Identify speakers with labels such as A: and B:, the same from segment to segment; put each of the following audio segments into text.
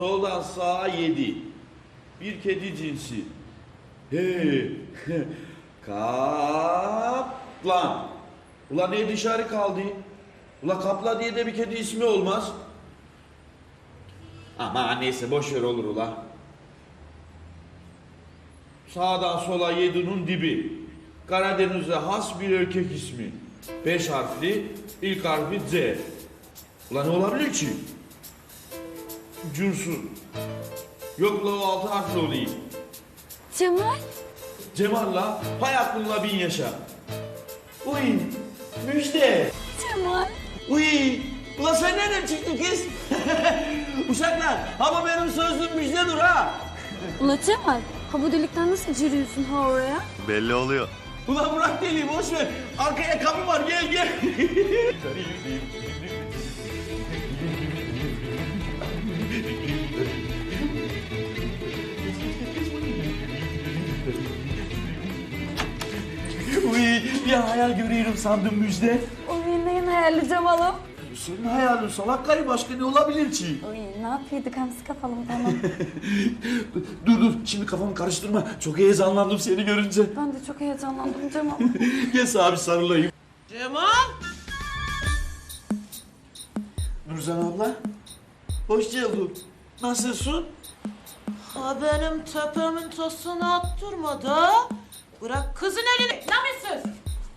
A: Soldan sağa 7. Bir kedi cinsi. He. Kaplan. Ulan ne dışarı kaldı? Ula kaplan diye de bir kedi ismi olmaz. Ama neyse boş ver olur ula. Sağdan sola 7'nin dibi. Karadeniz'e has bir erkek ismi. 5 harfli, ilk harfi Z. Ulan ne olabilir ki? Cunsun. Yok la o 6 harfli olayım.
B: Cemal?
A: Cemal'la hay aklınla bin yaşa. Uy müjde.
B: Cemal.
A: Uy ulan sen nereden çıktın kız? Uşaklar ama benim sözlüm müjdedir ha.
B: Ula Cemal, ha bu delikten nasıl giriyorsun ha oraya?
C: Belli oluyor.
A: Ulan bırak deliği boş ver. Arkaya kapı var gel gel. Uy bir hayal görüyorum sandım müjde.
B: O neyin hayali Cemal'ım?
A: Senin hayalin salak karı başka ne olabilir ki?
B: Oy ne yapıyorduk hamsi kafalım tamam.
A: Dur şimdi kafamı karıştırma. Çok heyecanlandım seni görünce.
B: Ben de çok heyecanlandım Cemal.
A: Gel sana bir sarılayım.
D: Cemal!
A: Nurcan abla. Hoş geldin. Nasılsın?
D: Ha benim tepemin tosunu attırma da. Bırak kızın elini. Namussuz!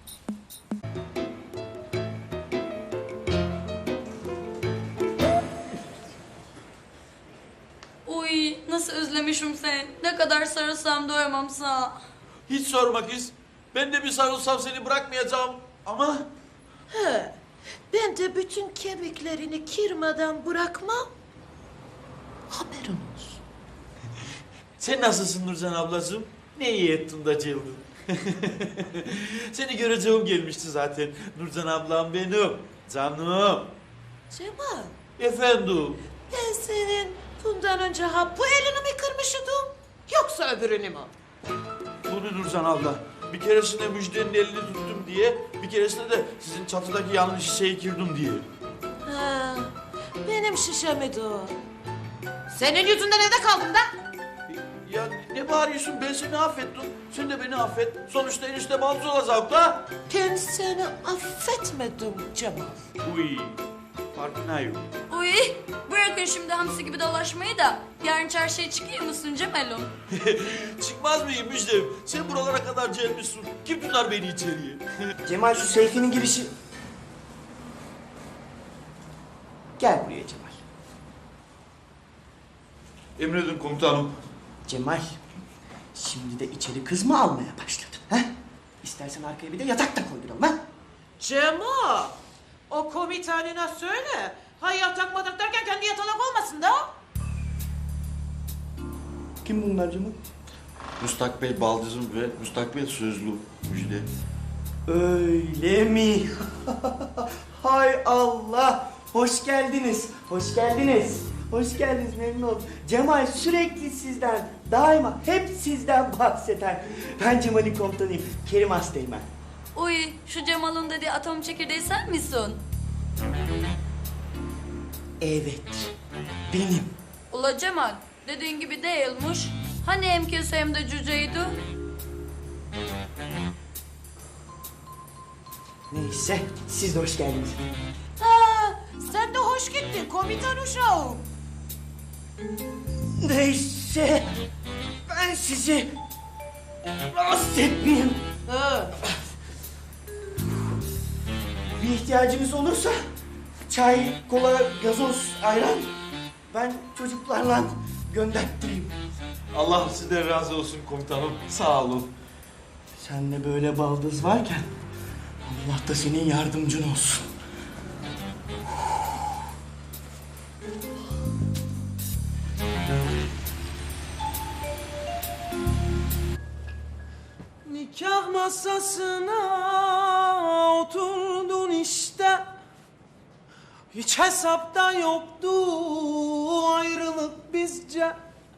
B: Uy nasıl özlemişim seni. Ne kadar sarılsam doyamam sana.
A: Hiç sorma kız. Ben de bir sarılsam seni bırakmayacağım. Ama
D: He, ben de bütün kemiklerini kırmadan bırakmam. Haberin olsun.
A: sen nasılsın Nurcan ablacığım? Ne iyi ettin de cıldın. Seni göreceğim gelmişti zaten. Nurcan ablam benim. Canım.
D: Cemal,
A: Efendim.
D: ben senin bundan önce ha bu elini mi kırmışydım? Yoksa öbürünü mü?
A: Bunu Nurcan abla. Bir keresinde Müjde'nin elini tuttum diye, bir keresinde de sizin çatıdaki yanlış şişeyi kırdım diye.
D: Ha, benim şişemdi o. Senin yüzünden evde kaldım da.
A: Ya ne bağırıyorsun? Ben seni affettim. Sen de beni affet. Sonuçta enişte balcı olacak da.
D: Ben seni affetmedim Cemal.
A: Uy. Farkına yok.
B: Uy bırakın şimdi hamsi gibi dolaşmayı da. Yarın çarşıya çıkıyor musun Cemal'im?
A: Çıkmaz mıyım Müjde? Sen buralara kadar gelmişsin. Kim tutar beni içeriye?
E: Cemal şu Seyfi'nin girişi... Gel buraya Cemal.
A: Emredin komutanım.
E: Cemal, şimdi de içeri kız mı almaya başladın? He? İstersen arkaya bir de yatak da koyduralım ha?
D: Cemal, o komutanına söyle. Ha yatak matak derken kendi yatalak olmasın da.
E: Kim bunlar Cemal?
A: Müstakbel baldızım ve müstakbel sözlü Müjde.
E: Öyle mi? Hay Allah! Hoş geldiniz, hoş geldiniz. Hoş geldiniz, memnun oldum. Cemal sürekli sizden, daima hep sizden bahseder. Ben Cemal'in komutanıyım, Kerim Asteğmen.
B: Uy şu Cemal'ın dediği atom çekirdeği sen misin?
E: Evet, benim.
B: Ula Cemal dediğin gibi değilmiş. Hani hem kese hem de cüceydi?
E: Neyse, siz de hoş geldiniz.
D: Ha, sen de hoş gittin komutan uşağım.
E: Neyse, ben sizi rahatsız etmeyeyim.
D: Ha,
E: Bir ihtiyacınız olursa çay, kola, gazoz, ayran ben çocuklarla gönderttireyim.
A: Allah sizden razı olsun komutanım. Sağ olun.
E: Senle böyle baldız varken Allah da senin yardımcın olsun.
D: nikah masasına oturdun işte. Hiç hesapta yoktu ayrılık bizce.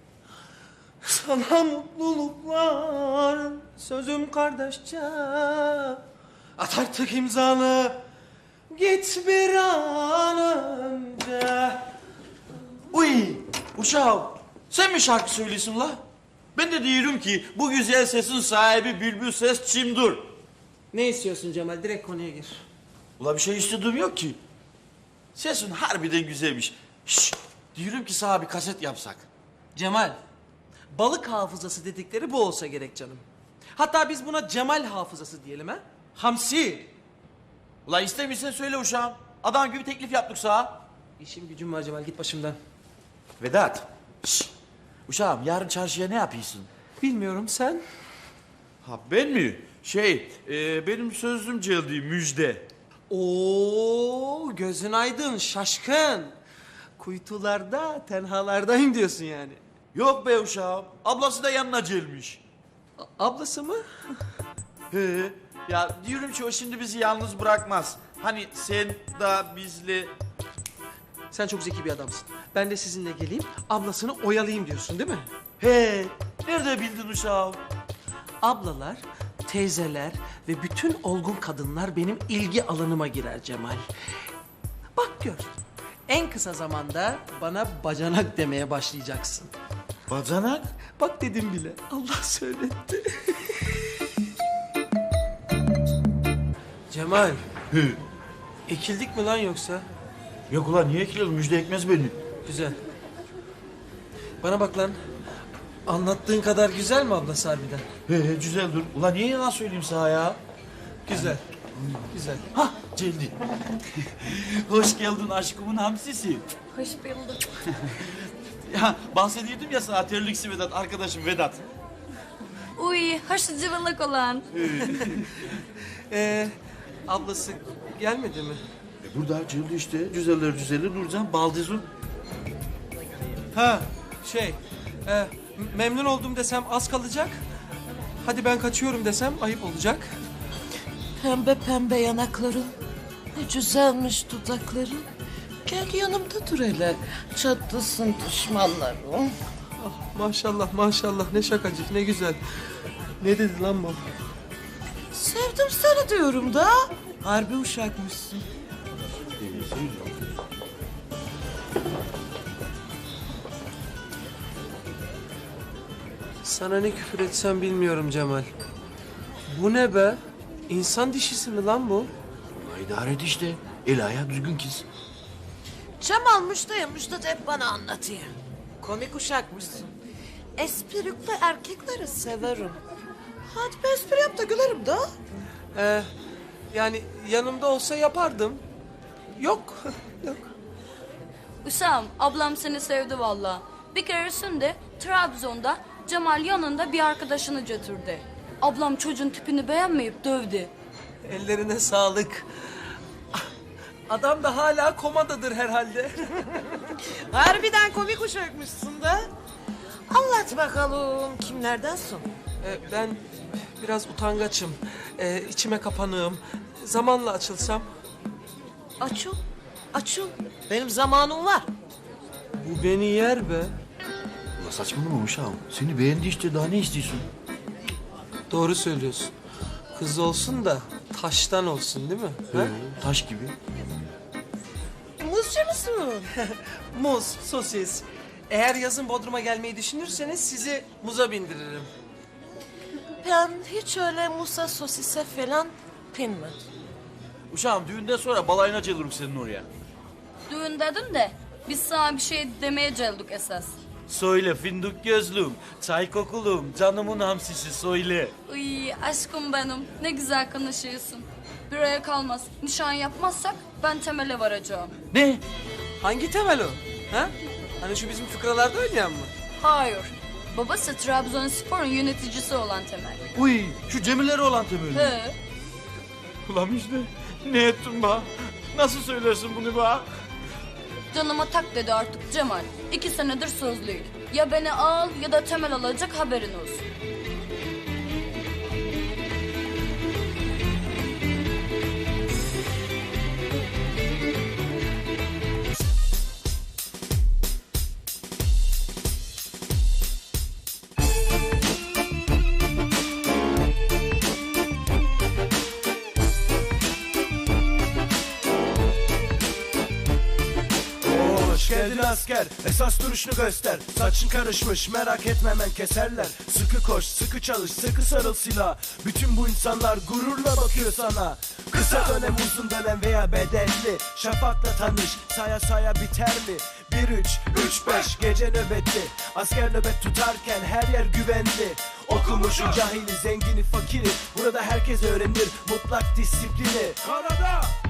D: Sana mutluluklar sözüm kardeşçe. At artık imzanı git bir an önce.
E: Uy!
A: Uşağım sen mi şarkı söylüyorsun la? Ben de diyorum ki bu güzel sesin sahibi Bülbül Ses Çimdur.
C: Ne istiyorsun Cemal? Direkt konuya gir.
A: Ula bir şey istediğim yok ki. Sesin harbiden güzelmiş. Şşş, diyorum ki sana bir kaset yapsak.
C: Cemal, balık hafızası dedikleri bu olsa gerek canım. Hatta biz buna Cemal hafızası diyelim ha? Hamsi.
A: Ula istemiyorsan söyle uşağım. Adam gibi teklif yaptık sana.
C: İşim gücüm var Cemal, git başımdan.
A: Vedat. Şşş. Uşağım yarın çarşıya ne yapıyorsun?
C: Bilmiyorum, sen?
A: Ha ben mi? Benim sözlüm geldi müjde.
C: Oo, gözün aydın, şaşkın. Kuytularda, tenhalardayım diyorsun yani.
A: Yok be uşağım. Ablası da yanına gelmiş.
C: Ablası mı?
A: He. Ya diyorum ki o şimdi bizi yalnız bırakmaz. Hani sen da bizle...
C: Sen çok zeki bir adamsın. Ben de sizinle geleyim, ablasını oyalayayım diyorsun değil mi?
A: He. Nerede bildin uşağım?
C: Ablalar, teyzeler ve bütün olgun kadınlar benim ilgi alanıma girer Cemal. Bak gör, en kısa zamanda bana bacanak demeye başlayacaksın.
A: Bacanak?
C: Bak dedim bile, Allah söyletti. Cemal,
A: He.
C: ekildik mi lan yoksa?
A: Yok ulan niye ekilelim? Müjde ekmez beni.
C: Güzel. Bana bak lan, anlattığın kadar güzel mi ablası harbiden?
A: He güzel dur. Ulan niye yalan söyleyeyim sana ya?
C: Güzel, güzel.
A: Hah geldi. Hoş geldin aşkımın hamsisi.
B: Hoş bulduk.
A: Ya bahsediyordum ya sana terliksi Vedat, arkadaşım Vedat.
B: Uy, hoş cıvılık olan.
C: Ablası gelmedi mi?
A: Burada geldi işte. Güzeller güzeli Nurcan Baldizun.
C: Ha, memnun oldum desem az kalacak. Hadi ben kaçıyorum desem ayıp olacak.
D: Pembe pembe yanakların, ne güzelmiş dudakların. Gel yanımda dur hele, çatlasın düşmanlarım.
C: Ah, maşallah maşallah, ne şakacık, ne güzel. Ne dedi lan bu?
D: Sevdim seni diyorum da. Harbi uşakmışsın.
C: Sana ne küfür etsem bilmiyorum Cemal. Bu ne be? İnsan dişisi mi lan bu?
A: Ulan idare et işte. El ayağı düzgün kız.
D: Cemal Müşta'ya da hep bana anlatıyor. Komik uşakmışsın. Esprikli erkekleri severim. Hadi bir espri yap da gülerim da.
C: Yani yanımda olsa yapardım. Yok, yok.
B: Usam, ablam seni sevdi valla. Bir keresinde Trabzon'da Cemal yanında bir arkadaşını götürdü. Ablam çocuğun tipini beğenmeyip dövdü.
C: Ellerine sağlık. Adam da hala komadadır herhalde.
D: Harbiden komik uşakmışsın da. Anlat bakalım kimlerdensin?
C: Ben biraz utangaçım. İçime kapanığım. Zamanla açılsam.
D: Açıl, açıl. Benim zamanım var.
C: Bu beni yer be.
A: Ulan saçmalama uşağım. Seni beğendi işte daha ne istiyorsun?
C: Doğru söylüyorsun. Kız olsun da taştan olsun değil mi? Ha?
A: Taş gibi.
D: Muzcu musun?
C: Muz, sosis. Eğer yazın Bodrum'a gelmeyi düşünürseniz sizi muza bindiririm.
D: Ben hiç öyle musa sosise falan pinmedim.
A: Uşağım düğünden sonra balayına gelirim senin oraya.
B: Düğün dedin de biz sana bir şey demeye geldik esas.
A: Söyle fındık gözlüm, çay kokulum, canımın hamsisi söyle.
B: Uy, aşkım benim, ne güzel konuşuyorsun. Bir aya kalmaz, nişan yapmazsak ben temele varacağım.
A: Ne?
C: Hangi temel o? Ha? Hani şu bizim fıkralarda oynayan mı?
B: Hayır, babası Trabzonspor'un yöneticisi olan Temel.
A: Uy şu Cemileri olan temeli.
B: He,
A: Ulan işte ne ettin be? Nasıl söylersin bunu be?
B: canıma tak dedi artık Cemal. 2 senedir sözlüyük. Ya beni al ya da Temel alacak, haberin olsun.
F: Hoş geldin asker, esas duruşunu göster. Saçın karışmış, merak etme hemen keserler. Sıkı koş, sıkı çalış, sıkı sarıl silah. Bütün bu insanlar gururla bakıyor sana. Kısa dönem, uzun dönem veya bedelli. Şafakla tanış, saya saya biter mi? 1-3-3-5 gece nöbeti. Asker nöbet tutarken her yer güvenli. Okumuşu, cahili, zengini, fakiri. Burada herkes öğrenir mutlak disiplini. Karada